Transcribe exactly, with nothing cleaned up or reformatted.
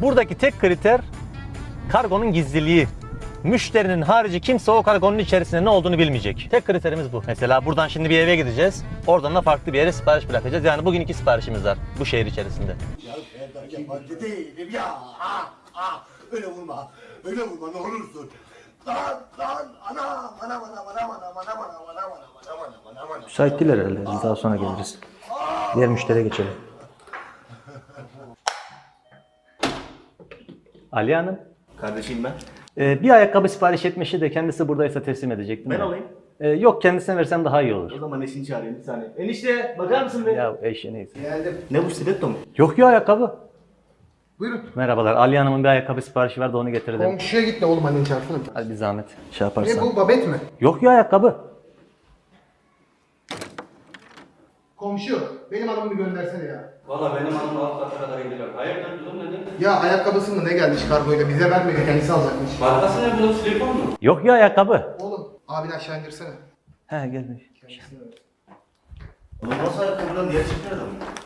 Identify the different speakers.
Speaker 1: Buradaki tek kriter kargonun gizliliği. Müşterinin harici kimse o kargonun içerisinde ne olduğunu bilmeyecek. Tek kriterimiz bu. Mesela buradan şimdi bir eve gideceğiz. Oradan da farklı bir yere sipariş bırakacağız. Yani bugün iki siparişimiz var bu şehir içerisinde.
Speaker 2: Ya ben yabancı değilim ya. Ah, ah. Öyle vurma. Öyle vurma ne olursun. Lan lan anam anam anam anam anam anam anam anam anam anam anam anam.
Speaker 1: Müsait değil herhalde. Biz daha sonra geliriz. Diğer müşteriye geçelim. Ali Hanım.
Speaker 3: Kardeşim ben.
Speaker 1: Ee, bir ayakkabı sipariş etmişti de kendisi buradaysa teslim edecektim.
Speaker 3: Ben
Speaker 1: de.
Speaker 3: alayım.
Speaker 1: Ee, yok kendisine versem daha iyi olur.
Speaker 3: O zaman eşini çağırayım bir saniye. Enişte bakar mısın be?
Speaker 1: Ya eşi neyse.
Speaker 2: Geldim.
Speaker 3: Ne bu stiletto mu?
Speaker 1: Yok ya ayakkabı.
Speaker 2: Buyurun.
Speaker 1: Merhabalar. Ali Hanım'ın bir ayakkabı siparişi vardı onu getirdim.
Speaker 2: Komşuya git de oğlum annen çarpsana.
Speaker 1: Hadi bir zahmet. Şey yaparsan.
Speaker 2: Ne bu babet mi?
Speaker 1: Yok ya ayakkabı.
Speaker 2: Komşu benim adamımı göndersene ya.
Speaker 3: Valla benim hanım alt kata kadar indiler. Hayırdır kızım nedir?
Speaker 2: Ya ayakkabısı mı ne gelmiş kargoyla bize vermedi kendisi alacakmış.
Speaker 3: Markası ne bu? Silikon mu?
Speaker 1: Yok ya ayakkabı.
Speaker 2: Oğlum abini aşağı indirsene.
Speaker 1: He gelmiş.
Speaker 3: Oğlum nasıl ayakkabıdan diğer çıkmıyor adam?